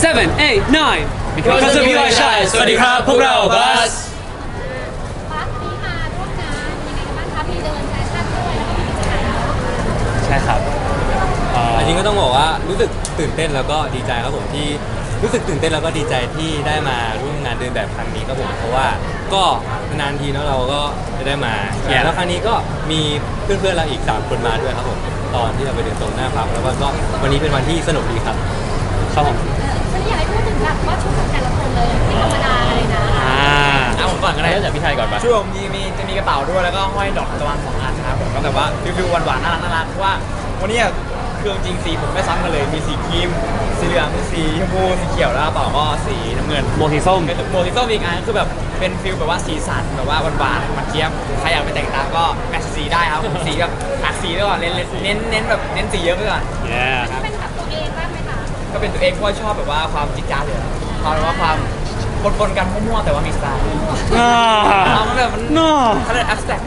7 8 9 because of you I shine สวัสดีครับพวกเราบัสบัสนี้มาร่วมงานยังไงกันบ้างคะมีเดินแฟชั่นด้วยแล้วก็มีกิจกรรมใช่ครับจริงก็ต้องบอกว่ารู้สึกตื่นเต้นแล้วก็ดีใจครับผมที่รู้สึกตื่นเต้นแล้วก็ดีใจที่ได้มาร่วมงานเดินแบบครั้งนี้ครับผมเพราะว่าก็นานทีเนาะเราก็จะได้มาแล้วครั้งนี้ก็มีเพื่อนๆเราอีก3คนมาด้วยครับผมตอนที่เราไปเดินตรงหน้าพักแล้วก็วันนี้เป็นวันที่สนุกดีครับครับผมฉันอยากให้พูดถึงแบบว่าชุดของแต่ละคนเลยไม่ธรรมดาเลยนะเอาผมก่อนก็ได้จากพี่ไทยก่อนปะช่วงจะมีกระเป๋าด้วยแล้วก็ห้อยดอกทานตะวัน2 อันนะครับผมก็แบบว่าฟิวๆหวานๆน่ารักเพราะว่าวันนี้เครื่องจริงสีผมไม่ซ้ำกันเลยมีสีครีมสีเหลืองสีชมพูสีเขียวแล้วกระเป๋าก็สีน้ำเงินโมทีส้มเป็นโมทิโต้อีกอันคือแบบเป็นฟิลแบบว่าสีสันแบบว่าหวานๆมันเทียมใครอยากไปแต่งตามก็แมทช์สีได้ครับสีแบบหลากสีด้วยก่อนเน้นแบบเน้นสีเยอะไปก่อน yeah เป็นแบบตัวเองบ้างไหมคะก็เป็นตัวเองเพราะว่าชอบแบบว่าความจิ๊กจ๊าดเลยความแบบว่าความปนๆกันมั่วๆแต่ว่ามีสไตล์มันแบบมัน no เขาเรียก abstract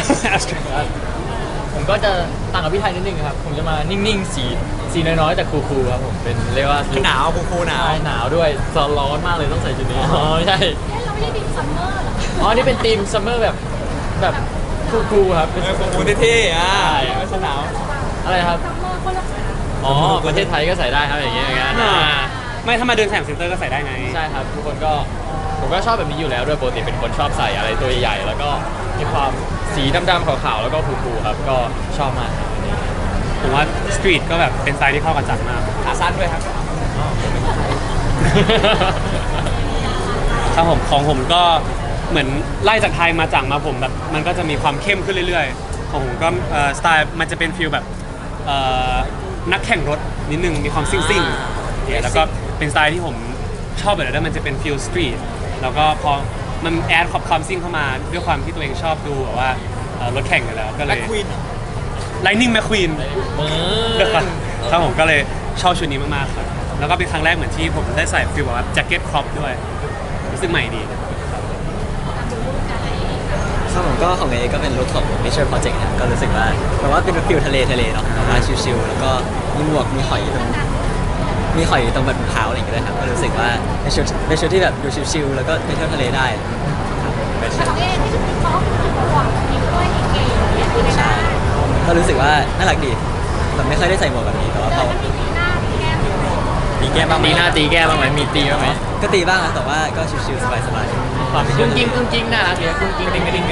ผมก็จะต่างกับพี่ไทยนิดนึงครับผมจะมานิ่งๆสีน้อยๆแต่คูลๆครับผมเป็นเรียกว่าหนาวคูลๆหนาวใช่หนาวด้วยร้อนมากเลยต้องใส่ชุดนี้อ๋อไม่ใช่เล่นเราไม่ได้ดิมซัมเมอร์หรออ๋อนี่เป็นธีมซัมเมอร์แบบคูลๆครับเป็นคูลๆเท่ๆไม่ใช่หนาวอะไรครับซัมเมอร์คนละอ๋อประเทศไทยก็ใส่ได้ครับอย่างเงี้ยอย่างนั้นไม่ถ้ามาเดินแสงเซ็นเตอร์ก็ใส่ได้ไงใช่ครับทุกคนก็ผมก็ชอบแบบนี้อยู่แล้วด้วยปกติเป็นคนชอบใส่อะไรตัวใหญ่ๆแล้วก็มีความสีดำๆขาวๆแล้วก็คูลๆครับก็ชอบมากครับอันนี้ผมว่าสตรีทก็แบบเป็นสไตล์ที่เข้ากับจัดมากขาสั้นด้วยครับครับผมของผมก็เหมือนไล่จากไทยมาจากมาผมแบบมันก็จะมีความเข้มขึ้นเรื่อยๆของผมก็สไตล์มันจะเป็นฟิลแบบนักแข่งรถนิดนึงมีความซิ่งๆเนี่ยแล้วก็เป็นสไตล์ที่ผมชอบแบบนั้นมันจะเป็นฟิลสตรีทแล้วก็พอมันแอดความซิ่งเข้ามาด้วยความที่ตัวเองชอบดูแบบว่ารถแข่งอยู่แล้วก็เลและยควีน Lightning McQueen ครับผมก็เลยชอบชุดนี้มากๆครับแล้วก็เป็นครั้งแรกเหมือนที่ผมได้ใส่ฟิลแบบว่าแจ็คเก็ตครอปด้วยรู้สึกใหม่ดีครับผมก็ของเอก็เป็นลุคของ Nature Project ครับก็รู้สึกว่าแบบว่าเป็นฟิลทะเลเนาะแบบว่าชิลๆแล้วก็มีหมวกมีหอยตรงแบบเท้าอะไรอย่างเงี้ยด้วยครับก็รู้สึกว่าเป็นชุดที่แบบดูชิลๆแล้วก็ไปเที่ยวทะเลได้ครับเป็นของเองที่เป็นซอฟต์คือหวังมีด้วยเก๋ๆเนี่ยคือในใช่บ้านก็รู้สึกว่าน่ารักดีแบบไม่เคยได้ใส่หมวกแบบนี้แต่ว่าพอมันมีสีหน้ามีแก้มด้วยมีแก้มบ้างไหมตีหน้าตีแก้บ้างไหมมีตีบ้างไหมก็ตีบ้างนะแต่ว่าก็ชิลๆสบายความกุ้งกิ้งน่ารักดีกุ้งกิ้งกระดิ่ง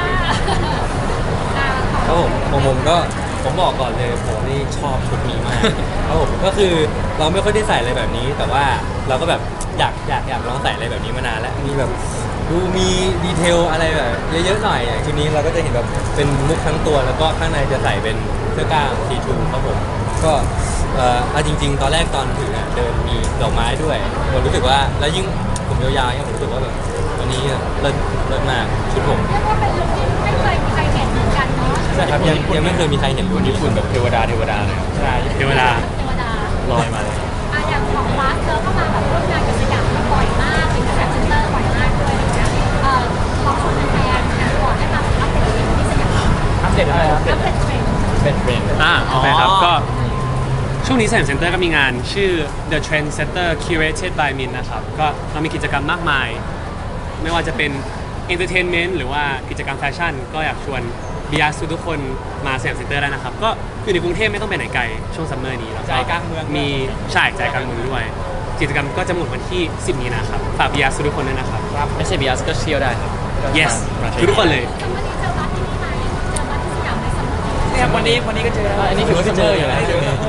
ครับผมก็ผมบอกก่อนเลยผมนี่ชอบชุดนี้มากครับผมก็คือเราไม่ค่อยได้ใส่อะไรแบบนี้ แต่ว่าเราก็แบบอยากลองใส่อะไรแบบนี้มานานแล้วมีแบบดูมีดีเทลอะไรแบบเยอะๆหน่อยอย่างชุดนี้เราก็จะเห็นแบบเป็นมุกทั้งตัวแล้วก็ข้างในจะใส่เป็นเสื้อกล้ามสีทูครับผมก็เอาจริง ๆ ตอนแรกตอนถือเดินมีดอกไม้ด้วยผมรู้สึกว่าแล้วยิ่งผมยาวๆเนี่ยผมรู้สึกว่าแบบวันนี้เลิศมากชุดผมเรียกว่าเป็นลุคที่ไม่เคยมีใครเห็นเหมือนกันเนาะใช่ครับยังไม่เคยมีใครเห็นรุ่นญี่ญี่ปุ่ปุ่นนแบบเทวดาเลยครับใช่เดี๋ยวเวลาเทวดาลอยมาเลยอย่างของบัสเธอเข้ามาแบบร่วมงานกับสยามบ่อยมากเป็นกระแสเซ็นเตอร์บ่อยมากด้วยอะไรเงี้ยลองชวนแฟนๆก่อนให้มาอัปเดตที่สยามอัปเดตอะไรครับอัปเดตเทรนด์เป็นเทรนด์โอเคครับก็ช่วงนี้แสงเซ็นเตอร์ก็มีงานชื่อ The Trend Center Curated by Min นะครับก็เรามีกิจกรรมมากมาย ไม่ว่าจะเป็น Entertainment หรือว่ากิจกรรมแฟชั่น ก็อยากชวนบิยาสุทุกคนมาแสงเซ็นเตอร์ได้นะครับ ก็อยู่ในกรุงเทพไม่ต้องไปไหนไกลช่วงซัมเมอร์นี้แล้วใจกลางเมืองมีใช่ใจกลางเมืองด้วย กิจกรรมก็จะหมดวันที่ 10 มีนาครับฝากบิยาสุทุกคนด้วยนะครับไม่ใช่บีอาร์ก็เที่ยวได้ครับ yes ทุกคนเลยซัมเมอร์นี้เจอบัสที่นี่ไหมเจอบัสที่สยามในซัมเมอร์นี้เนี่ยวันนี้ก็เจอแล้วอันนี้ถือว่าซัมเมอร์อยู่แล้วเจอครับ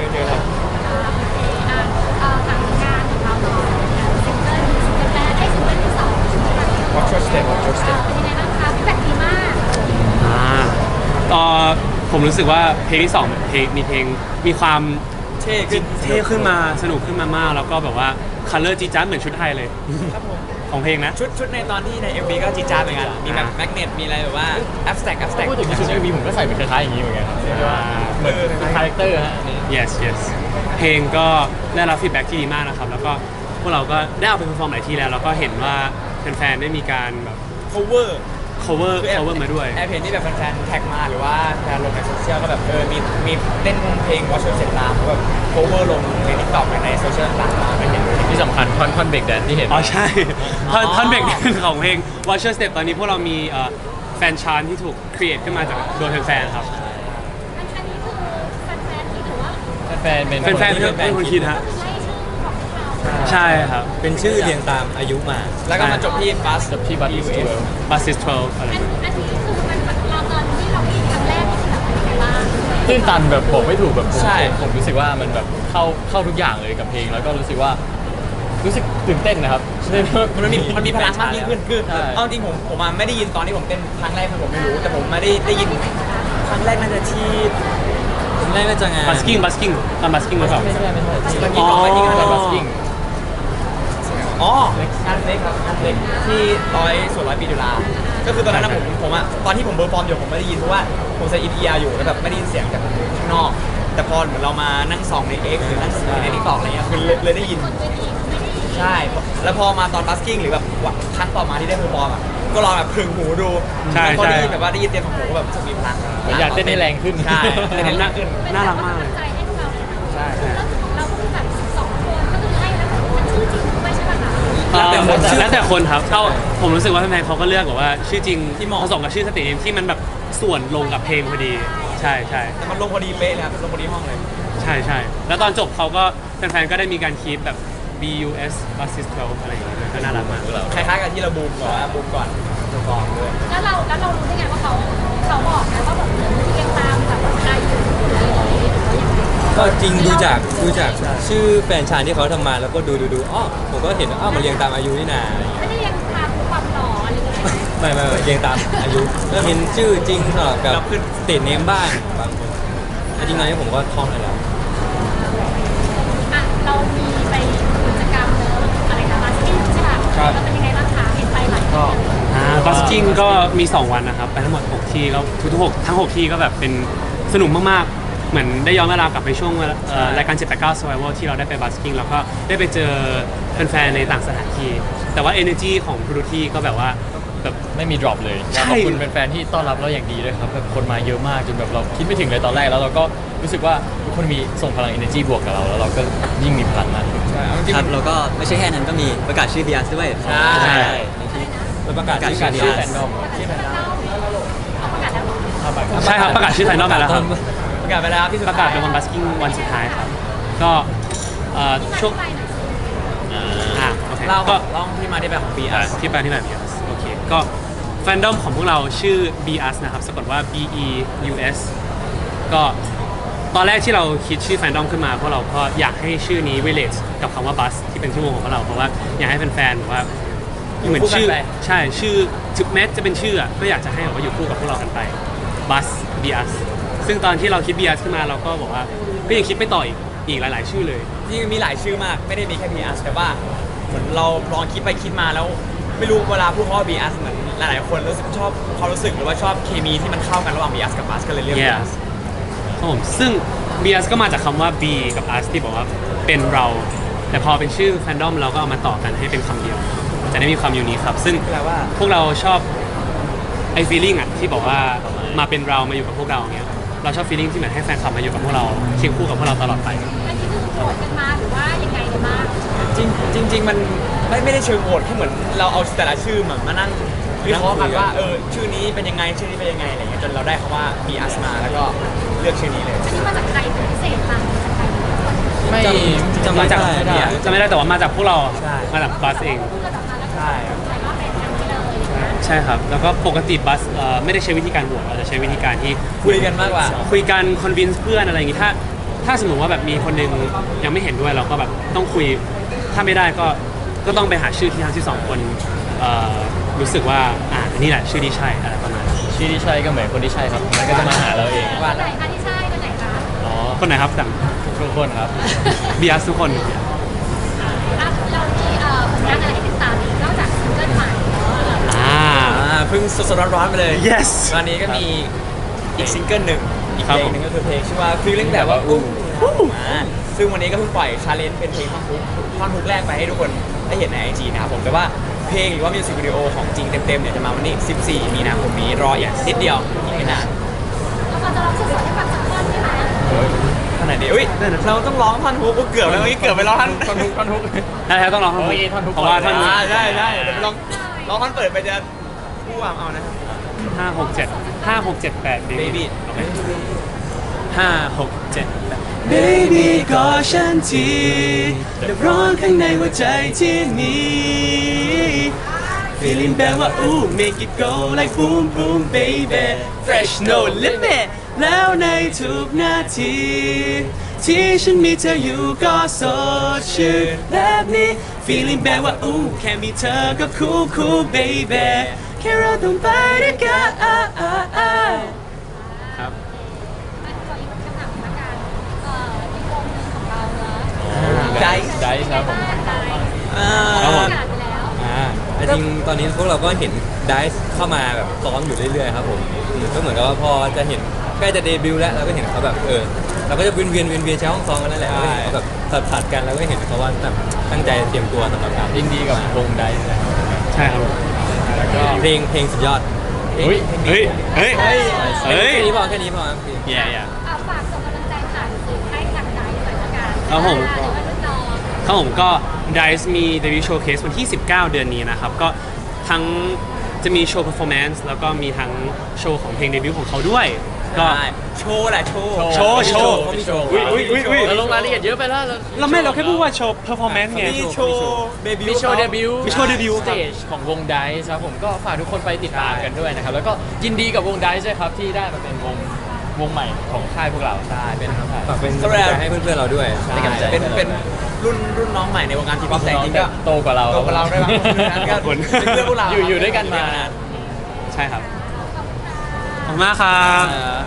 หลังงานของเราเนาะเซ็นเตอร์นี้เซ็นเตอร์แรกได้เซ็นเตอร์ที่สองใช่ไหม Watch your step เป็นยังไงบ้างคะฟีดแบ็กดีมากผมรู้สึกว่าเพลงที่2มีเพลงมีความเท่ขึ้นเท่ขึ้นมาสนุกขึ้นมามากแล้วก็แบบว่าคัลเลอร์จีจ้าเหมือนชุดไทยเลยครับผมของเพลงนะชุดในตอนที่ใน MV ก็จีดจ้าดเหมือนกันมีแบบแมกเนตมีอะไรแบบว่า abstract พูดถึงในชุดมีผมก็ใส่เป็นคล้ายๆอย่างนี้เหมือนกันครับเรียกได้ว่าเหมือนเป็นคาแรคเตอร์ฮะอันนี้ yes เพลงก็ได้รับฟีดแบ็กที่ดีมากนะครับ แล้วก็พวกเราก็ได้เอาไปเพอร์ฟอร์มหลายที่แล้ว แล้วก็เห็นว่าแฟนๆได้มีการแบบ cover cover คือ cover มาด้วยแอบเห็นที่แบบแฟนๆแท็กมาหรือว่าแฟนลงในโซเชียลก็แบบมีเต้นเพลง Watch Your Step ตามแบบ cover ลงใน TikTok ในโซเชียลต่างๆไปเห็นที่สำคัญท่อนเบรกแดนที่เห็นอ๋อใช่ท่อนเบรกของเพลง Watch Your Step ตอนนี้พวกเรามีแฟนชานที่ถูก create ขึ้นมาจากโดยแฟนๆครับอันนี้คือแฟนๆที่ถือว่าแฟนๆเป็นแฟนๆเป็นคนคิดฮะไล่ชื่อของพวกเราใช่ครับเป็นชื่อเรียงตามอายุมาแล้วก็มาจบที่ Bus จบที่ Bus is 12 Bus is 12อะไรอันนี้คือมันเราตอนที่เราได้ยินครั้งแรกนี่คือแบบเป็นยังไงบ้างตื้นตันแบบบอกไม่ถูกแบบผมใช่ผมรู้สึกว่ามันแบบเข้าทุกอย่างเลยกับเพลงแล้วก็รู้สึกตื่นเต้นนะครับมันมีพลังมากยิ่งขึ้นคือใช่เอาจริงผมมาไม่ได้ยินตอนที่ผมเต้นครั้งแรกคือผมไม่รู้แต่ผมไม่ได้ยินครั้งแรกน่าจะที่ผมแรกก็จะงาน busking ตอน busking หรือเปล่าไม่ใช่ตอนนี้ก่อนไปที่งานอ๋อบัสกิ้งอ๋องานเล็กครับงานเล็กที่ส่วน100 ปีจุฬาก็คือตอนนั้นนะผมอะตอนที่ผมเบอร์ฟอร์มอยู่ผมไม่ได้ยินเพราะว่าผมใส่อินเอียร์อยู่แล้วแบบไม่ได้ยินเสียงจากข้างนอก แต่พอเหมือนเรามานั่งส่องใน X หรือนั่งส่องใน TikTok อะไรเงี้ยคือเลยได้ยินคนเวทีไม่ได้ยินใช่ แล้วพอมาตอนบัสกิ้งหรือแบบครั้งต่อมาที่ได้เพอร์ฟอร์มอ่ะ ก็ลองแบบพึงหูดูใช่แล้วพอได้ยินใช่แบบว่าได้ยินเต็มของหูก็แบบรู้สึกมีพลังอยากเต้นให้แรงขึ้นใช่เต้นให้แรงขึ้นน่ารักมากเลยใจให้พวกเราเลยนะใช่แล้วของเราก็คือแบบ2 คนก็คือให้แล้วมันชื่อจริงด้วยใช่ป่ะคะแล้วแต่คนครับเข้าผมรู้สึกว่าแฟนๆเขาก็เลือกแบบว่าชื่อจริงที่เหมาะผสมกับชื่อสตรีมที่มันแบบส่วนลงกับเพลงพอดี ใช่ใช่แต่มันลงพอดีเป๊ะเลยครับลงพอดีห้องเลยใช่ใช่แล้วตอนจบเขาก็แฟนๆก็ได้มีการคีปแบบ BUS Basis 12อะไรอย่างเงี้ยก็น่ารักมากคล้ายๆกับที่เราบูมก่อนนะบูมก่อนบูมก่อนด้วยแล้วเรารู้ได้ไงว่าเขาบอกนะว่าแบบเรียงตามแบบอายุอะไรอย่างเงี้ยหรือว่ายังไงก็จริงดูจากชื่อแฟนชานที่เขาทำมาแล้วก็ดูอ๋อผมก็เห็นว่าอ้าวมันเรียงตามอายุนี่นาอะไรอย่างเงี้ยไม่ได้เรียงตามความหล่ออะไรอย่างเงี้ยไม่เรียงตามอายุแล้วเป็นชื่อจริงสลับกับสเตทเนมบ้างบางคนแต่จริงๆตอนนี้ผมก็ท่องได้แล้วอ่ะเรามีไปกิจกรรมเนอะอะไรนะมาสกิ้งใช่ป่ะแล้วเป็นยังไงบ้างคะเห็นไปหลายที่บัสกิ้งก็มี 2 วันนะครับ ไปทั้งหมด 6 ที่แล้วทุกๆทั้ง 6 ที่ก็แบบเป็นสนุกมากๆ เหมือนได้ย้อนเวลากลับไปช่วงรายการ 789 Survival ที่เราได้ไปบัสกิ้งแล้วก็ได้ไปเจอแฟนๆในต่างสถานที่ แต่ว่า energy ของทุกที่ก็แบบว่าแบบไม่มี drop เลยใช่ขอบคุณแฟนๆที่ต้อนรับเราอย่างดีด้วยครับแบบคนมาเยอะมากจนแบบเราคิดไม่ถึงเลยตอนแรกแล้วเราก็รู้สึกว่าทุกคนมีส่งพลัง energy บวกกับเราแล้วเราก็ยิ่งมีพลังมากขึ้นใช่เอาจริงครับแล้วก็ไม่ใช่แค่นั้นก็มีประกาศชื่อ BS ด้วยใช่ใช่แล้วประกาศประกาศชื่อชื่การอเดีย BS แฟนดอมที่แฟนดอมเอาประกาศแล้วเหรอใช่ครับประกาศชื่อไทยนอกไปแล้วครับประกาศไปแล้วที่สุดประกาศเป็นวันบัสกิ้งวันสุดท้ายครับ ก็ช่วงไปหน่อยโอเคเล่าก็ที่มาที่ไปของ BS ที่ไปที่แบบ BUS โอเค ก็แฟนดอมของพวกเราชื่อ BUS นะครับสะกดว่า BEUS ก็ตอนแรกที่เราคิดชื่อแฟนดอมขึ้นมาพวกเราก็อยากให้ชื่อนี้ relate กับคำว่า bus ที่เป็นชื่อวงของพวกเราเพราะว่าอยากให้แฟนๆแบบว่าเหมือนชื่อคู่กันไปใช่ชื่อถึงแม้จะเป็นชื่ออะก็อยากจะให้แบบว่าอยู่คู่กับพวกเรากันไป bus BUS ซึ่งตอนที่เราคิด BUS ขึ้นมาเราก็บอกว่าก็ยังคิดไม่ต่ออีกหลายๆชื่อเลยที่มีหลายชื่อมากไม่ได้มีแค่ BS แต่ว่าเหมือนเราลองคิดไปคิดมาแล้ว ไม่รู้เวลาพูดคำว่า BS เหมือนหลายๆคนรู้สึกชอบความรู้สึกหรือว่าชอบเคมีที่มันเข้ากันระหว่าง BS กับ Bus ก็เลยเลือก Yeah BS ครับผมซึ่ง BS ก็มาจากคำว่า B กับ us ที่บอกว่าเป็นเรา แต่พอเป็นชื่อแฟนดอมเราก็เอามาต่อกันให้เป็นคำเดียว จะได้มีความยูนิคครับ ซึ่งแปลว่าพวกเราชอบไอ้ feeling อ่ะที่บอกว่ามาเป็นเรามาอยู่กับพวกเราอย่างเงี้ยเราชอบ feeling ที่เหมือนให้แฟนคลับมาอยู่กับพวกเราเคียงคู่กับพวกเราตลอดไปอันนี้คือโหวตกันมาหรือว่ายังไงกันบ้างจริงมันไม่ได้เชิงโหวตแค่เหมือนเราเอาแต่ละชื่อเหมือนมานั่งวิเคราะห์กันว่าชื่อนี้เป็นยังไงชื่อนี้เป็นยังไงอะไรเงี้ยจนเราได้คำว่า BS มาแล้วก็เลือกชื่อนี้เลยอันนี้มาจากใครเป็นพิเศษต่างจากใครไม่จำมาไม่จากได้จะไม่ได้แต่ว่ามาจากพวกเราใช่มาจากบัสเองพูดกันออกมาแล้วก็ใช่ครับใส่ว่าเป็นอย่างนี้เลยนะใช่ครับ แล้วก็ปกติบัสไม่ได้ใช้วิธีการโหวตเราจะใช้วิธีการที่คุยกันมากกว่าคุยกันคอนวินส์เพื่อนอะไรอย่างงี้ถ้าสมมติว่าแบบมีคนหนึงยังไม่เห็นด้วยเราก็แบบต้องคุยถ้าไม่ได้ก็ต้องไปหาชื่อที่ทั้งที่สองคนรู้สึกว่าอันนี้แหละชื่อที่ใช่อะไรประมาณนั้นชื่อที่ใช่ก็เหมือนคนที่ใช่ครับมันก็จะมาหาเราเองคนไหนคะที่ใช่คนไหนคะอ๋อคนไหนครับสั่งทุกคนครับบีอาร์ทุกคนแล้วเรามีผลงานอะไรให้ติดตามอีกนอกจากซิงเกิลใหม่เนาะเพิ่งสดๆร้อนๆไปเลย yes ตอนนี้ก็มีอีกซิงเกิลหนึ่งอีกครับเพลงหนึ่งก็คือเพลงชื่อว่า feeling แบบว่าอุ้มซึ่งวันนี้ก็เพิ่งปล่อยชาเลนจ์เป็นเพลงท่อนฮุกแรกไปให้ทุกคนได้เห็นใน IG นะครับผมแต่ว่าเพลงหรือว่ามิวสิกวิดีโอของจริงเต็มๆเนี่ยจะมาวันนี้14 มีนาคมนี้รออย่างนิดเดียวอีกไม่นานแล้วเราจะร้องสดๆให้ฟังสักท่อนใช่ไหมขนาดนี้อุ้ยเราต้องร้องท่อนฮุกเกือบแล้วเมื่อกี้เกือบไปร้องท่อนท่อนทุกท่อนทุกใช่ต้องร้องท่อนโอ้ยท่อนทุกเพราะว่าท่อนใช่เดี๋ยวไปร้องท่อนเปิดไปจะผู้วามเอานะครับ 5 6 7 Baby 5 6 7 Baby กอดฉันทีดับร้อนข้างในหัวใจที่มี Feeling แบบว่า ooh make it go like boom boom baby Fresh no limit แล้วในทุกนาที ที่ฉันมีเธออยู่ก็สดชื่นแบบนี้ Feeling แบบว่า ooh แค่มีเธอก็ cool cool baby แค่เราต้องไปด้วยกันครับมันขออีกคำถามละกันอีกวงหนึ่งของเราเนอะใจใจครับผมใจครับผมประกาศไปแล้วแต่จริงตอนนี้พวกเราก็เห็นไดซ์เข้ามาแบบซ้อมอยู่เรื่อยๆครับผมก็เหมือนกับว่าพอจะเห็นใกล้จะเดบิวต์แล้วเราก็เห็นเขาแบบเราก็จะเวียนใช้ห้องซ้อมกันนั่นแหละก็เห็นเขาแบบผัดกันแล้วก็เห็นเขาว่าแบบตั้งใจเตรียมตัวสำหรับการยินดีกับวงไดซ์นะครับใช่ครับผมแล้วก็เพลงสุดยอดเฮ้ยเฮ้ยเฮ้ยเฮ้ยแค่นี้พอครับแย่ฝากส่งกำลังใจผ่านสื่อให้กับใจหน่อยละกันครับผมเดี๋ยวว่ารุ่นน้องครับผมก็ DICE มี debut showcase วันที่ 19 เดือนนี้นะครับ ก็ทั้งจะมีโชว์ performance แล้วก็มีทั้งโชว์ของเพลงเดบิวต์ของเขาด้วย ก็โชว์แหละโชว์โชว์เขามีโชว์อุ๊ยเราลงรายละเอียดเยอะไปแล้วเราแค่พูดว่าโชว์ performance ไงมีโชว์เดบิวต์มีโชว์เดบิวต์มีโชว์เดบิวต์สเตจของวงไดซ์ครับผมก็ฝากทุกคนไปติดตามกันด้วยนะครับ แล้วก็ยินดีกับวงไดซ์ด้วยครับที่ได้มาเป็นวงใหม่ของค่ายพวกเราใช่เป็นครับฝากเป็นกำลังใจให้เพื่อนๆเราด้วยเป็นกำลังใจเป็นรุ่นน้องใหม่ในวงการทีป๊อปแต่จริงๆก็โตกว่าเราโตกว่าเราด้วยมั้งก็ขอบคุณเป็นเพื่อนพวกเราอยู่ด้วยกันมาใช่ครับ ขอบคุณมากครับครับ